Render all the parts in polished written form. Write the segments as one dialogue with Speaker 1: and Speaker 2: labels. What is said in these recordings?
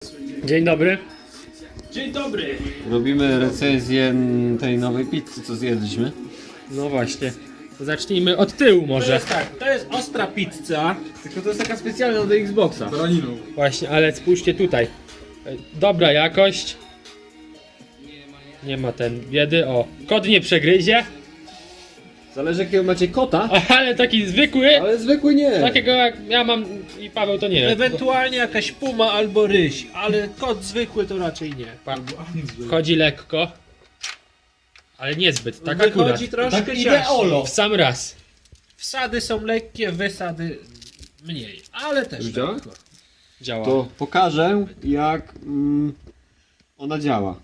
Speaker 1: Dzień dobry.
Speaker 2: Dzień dobry.
Speaker 3: Robimy recenzję tej nowej pizzy, co zjedliśmy.
Speaker 1: No właśnie. Zacznijmy od tyłu
Speaker 2: To
Speaker 1: może.
Speaker 2: jest tak, to jest ostra pizza.
Speaker 3: Tylko to jest taka specjalna do Xboxa.
Speaker 1: Właśnie, ale spójrzcie tutaj. Dobra jakość. Nie ma ten biedy. O, kot nie przegryzie.
Speaker 3: Zależy jakiego macie kota,
Speaker 1: Ale taki zwykły.
Speaker 3: ale zwykły nie.
Speaker 1: Takiego jak ja mam i Paweł to nie wiem.
Speaker 2: Ewentualnie jakaś puma albo ryś, ale kot zwykły to raczej nie.
Speaker 1: Wchodzi lekko. Ale niezbyt, tak akurat.
Speaker 2: Wychodzi troszkę
Speaker 3: Tak
Speaker 2: ciaśniej.
Speaker 3: ideolo.
Speaker 1: W sam raz.
Speaker 2: Wsady są lekkie, wysady mniej, ale też
Speaker 3: Widziałeś?
Speaker 2: lekko.
Speaker 1: Działa.
Speaker 3: To pokażę jak ona działa.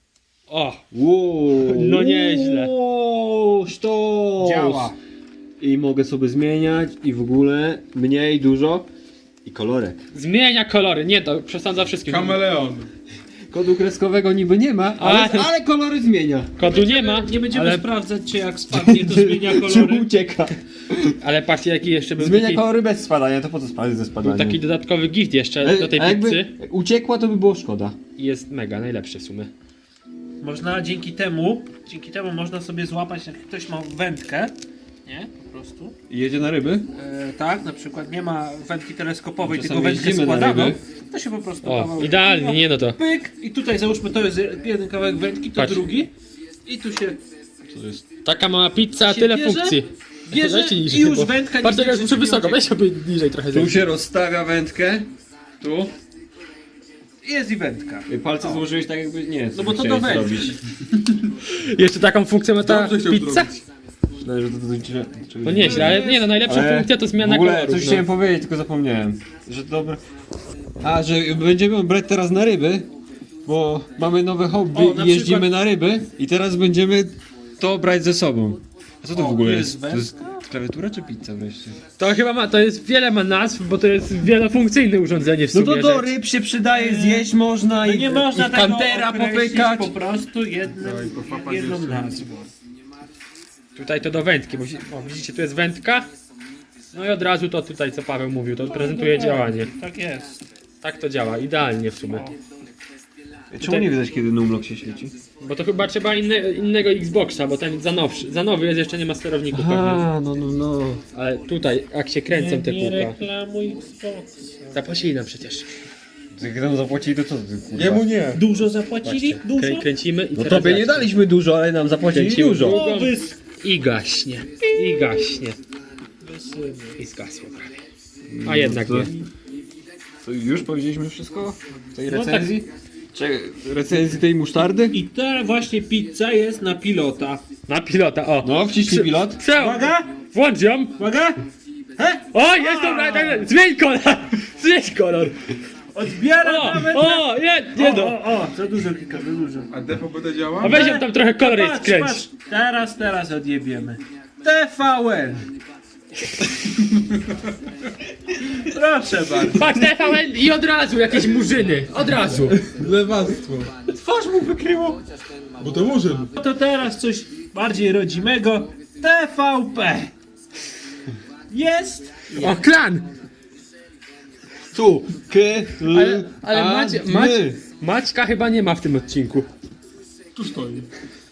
Speaker 1: O,
Speaker 3: Wow.
Speaker 1: No nieźle.
Speaker 3: Wow, sztos.
Speaker 2: Działa.
Speaker 3: I mogę sobie zmieniać i w ogóle mniej, dużo. I kolorek.
Speaker 1: zmienia kolory. Nie, to przesądza wszystkim.
Speaker 4: Kameleon.
Speaker 3: Kodu kreskowego niby nie ma, ale kolory zmienia.
Speaker 1: Kodu nie ma,
Speaker 2: Nie będziemy
Speaker 1: ale,
Speaker 2: sprawdzać, czy jak spadnie, to zmienia
Speaker 3: Czy
Speaker 2: kolory.
Speaker 3: ucieka.
Speaker 1: ale patrzcie jaki jeszcze był
Speaker 3: Zmienia
Speaker 1: taki,
Speaker 3: kolory bez spadania, to po co spalić ze
Speaker 1: był
Speaker 3: spadaniem?
Speaker 1: taki dodatkowy gift jeszcze do tej
Speaker 3: A jakby
Speaker 1: pizzy.
Speaker 3: uciekła, to by było szkoda.
Speaker 1: I jest mega, najlepszy w sumie.
Speaker 2: Można dzięki temu można sobie złapać, jak ktoś ma wędkę, nie? Po prostu.
Speaker 3: I jedzie na ryby?
Speaker 2: Tak, na przykład nie ma wędki teleskopowej,
Speaker 3: Czasami
Speaker 2: tylko wędkę
Speaker 3: jeździmy na
Speaker 2: składaną.
Speaker 3: ryby.
Speaker 2: To się po prostu
Speaker 1: O,
Speaker 2: kawałek
Speaker 1: idealnie,
Speaker 2: wędki,
Speaker 1: nie no to.
Speaker 2: pyk i tutaj załóżmy to jest jeden kawałek wędki, to
Speaker 1: Patrz.
Speaker 2: drugi i tu się
Speaker 1: Taka mała pizza, a
Speaker 2: się
Speaker 1: tyle
Speaker 2: bierze,
Speaker 1: funkcji.
Speaker 2: bierze
Speaker 1: Dajcie
Speaker 2: i
Speaker 1: niżej,
Speaker 2: już
Speaker 1: bo-
Speaker 2: wędka
Speaker 1: Patrz,
Speaker 2: nigdzie
Speaker 1: jak
Speaker 2: się
Speaker 1: muszę
Speaker 2: nie
Speaker 1: wysoko,
Speaker 2: ucieka.
Speaker 1: weź sobie niżej trochę.
Speaker 3: Tu się rozstawia wędkę. Tu.
Speaker 2: jest i wędka.
Speaker 3: I palce złożyłeś tak jakby nie.
Speaker 2: No bo to
Speaker 3: chciałeś
Speaker 2: do wędki.
Speaker 3: zrobić.
Speaker 1: Jeszcze taką funkcję ma ta
Speaker 4: Dobrze chciał
Speaker 1: pizza?
Speaker 4: zrobić.
Speaker 3: Myślałem, że to
Speaker 1: No nieźle, ale nie no, najlepsza
Speaker 3: Ale
Speaker 1: funkcja to
Speaker 3: w
Speaker 1: zmiana
Speaker 3: ogóle
Speaker 1: kolorów.
Speaker 3: coś
Speaker 1: No.
Speaker 3: chciałem powiedzieć, tylko zapomniałem. Że dobre. A, że będziemy brać teraz na ryby, bo mamy nowe hobby
Speaker 2: O, na
Speaker 3: i jeździmy
Speaker 2: przykład-
Speaker 3: na ryby i teraz będziemy to brać ze sobą. A co to w ogóle
Speaker 2: jest
Speaker 3: jest? To jest klawiatura czy pizza wreszcie?
Speaker 1: To chyba ma, to jest wiele ma nazw, bo to jest wielofunkcyjne urządzenie w
Speaker 3: No
Speaker 1: sumie.
Speaker 3: to do
Speaker 1: że-
Speaker 3: ryb się przydaje, zjeść można
Speaker 2: No
Speaker 3: i,
Speaker 2: nie można
Speaker 3: i w
Speaker 2: tego
Speaker 3: kantera
Speaker 2: określić
Speaker 3: popykać.
Speaker 2: po prostu jedną nazwą.
Speaker 1: Tutaj to do wędki, bo widzicie, tu jest wędka. No i od razu to tutaj, co Paweł mówił, to prezentuje działanie.
Speaker 2: Tak jest.
Speaker 1: Tak to działa, idealnie w sumie.
Speaker 3: Czemu nie widać kiedy numlock się świeci?
Speaker 1: Bo to chyba trzeba innego Xboxa, bo ten za nowy jest, jeszcze nie ma sterowników pewnie.
Speaker 3: no.
Speaker 1: Ale tutaj, jak się kręcą te
Speaker 2: Nie
Speaker 1: kółka.
Speaker 2: reklamuj Xboxa.
Speaker 1: Zapłacili nam przecież.
Speaker 3: Jak nam zapłacili, to co ty, kurwa?
Speaker 4: Jemu nie.
Speaker 2: Dużo zapłacili? Dużo?
Speaker 1: Kręcimy i
Speaker 3: No
Speaker 1: teraz
Speaker 3: tobie nie
Speaker 1: zobaczcie.
Speaker 3: daliśmy dużo, ale nam zapłacili
Speaker 1: Kręcimy
Speaker 3: dużo.
Speaker 1: drugą.
Speaker 2: O,
Speaker 1: I gaśnie. I gaśnie. I zgasło prawie. A jednak
Speaker 3: to-
Speaker 1: nie.
Speaker 3: To już powiedzieliśmy wszystko w tej
Speaker 2: No
Speaker 3: recenzji? Recenzji tej musztardy?
Speaker 2: I ta właśnie pizza jest na pilota.
Speaker 1: Na pilota, o.
Speaker 3: No, wciśnij pilot.
Speaker 2: Uwaga!
Speaker 1: Włącz ją.
Speaker 2: Uwaga!
Speaker 1: O, jest to, zmień kolor. Zmień kolor.
Speaker 2: Odbiera
Speaker 1: O,
Speaker 2: nawet
Speaker 1: o, nie no.
Speaker 2: o, za dużo klika, za dużo.
Speaker 4: A DVB działa?
Speaker 1: A weź ją tam trochę kolor jest
Speaker 2: Patrz,
Speaker 1: skręć.
Speaker 2: patrz. Teraz odjebiemy. TVN. Proszę bardzo.
Speaker 1: Patrz, TVN i od razu jakieś murzyny. Od razu.
Speaker 4: Lewactwo.
Speaker 2: Twarz mu wykryło.
Speaker 4: Bo to murzyn.
Speaker 2: To teraz coś bardziej rodzimego. TVP. Jest.
Speaker 1: O, klan.
Speaker 3: Tu.
Speaker 1: Ale Maćka chyba nie ma w tym odcinku.
Speaker 4: Tu stoi.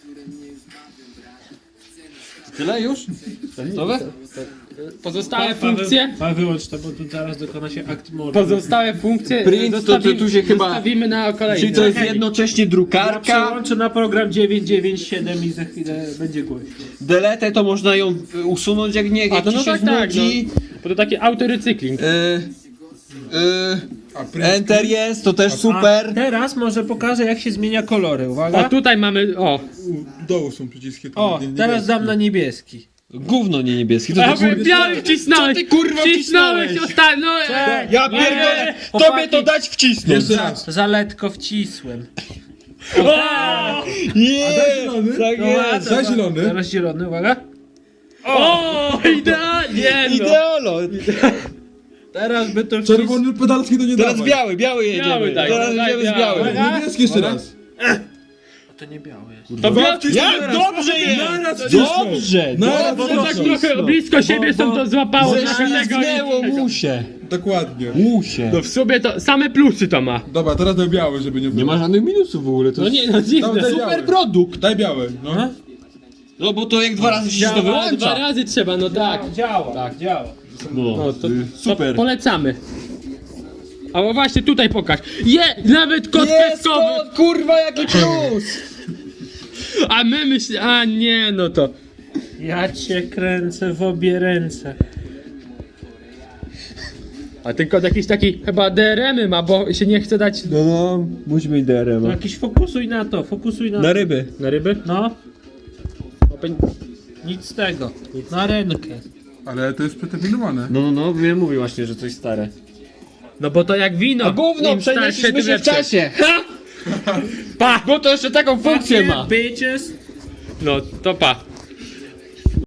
Speaker 3: Tyle już? Gotowe?
Speaker 1: Pozostałe funkcje.
Speaker 2: Paweł, wyłącz to, bo tu zaraz dokona się akt mordu.
Speaker 1: Pozostałe funkcje
Speaker 3: Print, to tu się chyba-
Speaker 1: zostawimy na kolejne.
Speaker 3: Czyli to jest jednocześnie
Speaker 2: Ja
Speaker 3: drukarka.
Speaker 2: przełączę na program 997 i za chwilę będzie głośno.
Speaker 3: Delete to można ją usunąć jak nie,
Speaker 1: A
Speaker 3: jak
Speaker 1: to
Speaker 3: ci
Speaker 1: no
Speaker 3: się
Speaker 1: tak, tak. No.
Speaker 3: znudzi.
Speaker 1: Bo to taki autorecykling.
Speaker 4: A print
Speaker 3: Enter jest, to też
Speaker 2: A
Speaker 3: super.
Speaker 2: teraz może pokażę, jak się zmienia kolory.
Speaker 1: O,
Speaker 2: Uwaga.
Speaker 1: tutaj mamy. O.
Speaker 4: u dołu są przyciski. tam
Speaker 2: O,
Speaker 4: nie-
Speaker 2: teraz dam na niebieski.
Speaker 3: Gówno nie niebieski. To
Speaker 1: A
Speaker 3: ty,
Speaker 1: biały wcisnąłeś!
Speaker 3: Co ty, kurwa,
Speaker 1: wcisnąłeś
Speaker 3: wcisnąłeś?
Speaker 1: ostatnio!
Speaker 3: ja pierdolę, tobie
Speaker 2: Chłopaki.
Speaker 3: to dać wcisnąć.
Speaker 4: Jeszcze raz.
Speaker 2: Zaletko wcisłem.
Speaker 3: Nie,
Speaker 4: zielony?
Speaker 3: tak jest.
Speaker 4: Za zielony.
Speaker 2: Teraz zielony, uwaga.
Speaker 1: O, idealnie! No.
Speaker 3: Ideolo.
Speaker 2: Teraz by to wszystko...
Speaker 4: Czerwony pedalski to nie
Speaker 3: Teraz
Speaker 4: dawaj.
Speaker 3: biały jedziemy.
Speaker 1: Biały daj,
Speaker 3: Teraz
Speaker 1: daj
Speaker 3: jedziemy z
Speaker 1: biały.
Speaker 3: białym.
Speaker 4: Niebieski jeszcze raz.
Speaker 2: To nie białe jest.
Speaker 1: To
Speaker 4: Dwa wcisnij
Speaker 3: Jak
Speaker 4: naraz.
Speaker 3: dobrze jest!
Speaker 4: Naraz wcisnął.
Speaker 3: Dobrze!
Speaker 4: Naraz
Speaker 1: Bo
Speaker 3: Dobrze
Speaker 1: tak
Speaker 4: wcisnął.
Speaker 1: trochę blisko siebie są to złapało trochę tego.
Speaker 3: Ześlizgnęło mu się.
Speaker 4: Dokładnie.
Speaker 3: Łusie.
Speaker 1: No w sumie to same plusy to ma.
Speaker 4: Dobra, teraz daj biały, żeby nie było.
Speaker 3: Nie ma żadnych minusów w ogóle. To
Speaker 1: No
Speaker 3: jest
Speaker 1: nie, no dziwne.
Speaker 4: Daj
Speaker 1: Super.
Speaker 4: biały.
Speaker 3: produkt.
Speaker 4: Daj biały, no.
Speaker 3: No bo to jak 2 razy się to
Speaker 1: Działa, dwa
Speaker 3: wyłącza.
Speaker 1: razy trzeba, no tak.
Speaker 2: Działa,
Speaker 1: Tak.
Speaker 2: działa.
Speaker 3: No,
Speaker 1: to-
Speaker 3: super.
Speaker 1: Polecamy. A o właśnie tutaj pokaż. Nawet kod kreskowy.
Speaker 3: kurwa jaki plus.
Speaker 1: A my myślimy, a nie, no to.
Speaker 2: Ja cię kręcę w obie ręce.
Speaker 1: A ten kod jakiś taki chyba DRM-y ma, bo się nie chce dać
Speaker 3: No, musi mieć DRM.
Speaker 2: No jakiś fokusuj na to, fokusuj na
Speaker 3: Na
Speaker 2: to.
Speaker 3: ryby.
Speaker 1: na ryby.
Speaker 2: No,
Speaker 1: Open-
Speaker 2: nic z tego. Na rękę.
Speaker 4: Ale to jest przeterminowane.
Speaker 3: No, wiem, mówię właśnie, że coś stare.
Speaker 1: No bo to jak wino.
Speaker 3: A gówno,
Speaker 1: Im starsze,
Speaker 3: przenieśliśmy
Speaker 1: tym
Speaker 3: się w
Speaker 1: lepsze.
Speaker 3: czasie.
Speaker 1: Pa!
Speaker 3: Bo to jeszcze taką funkcję ma.
Speaker 2: Bitches.
Speaker 1: No to pa.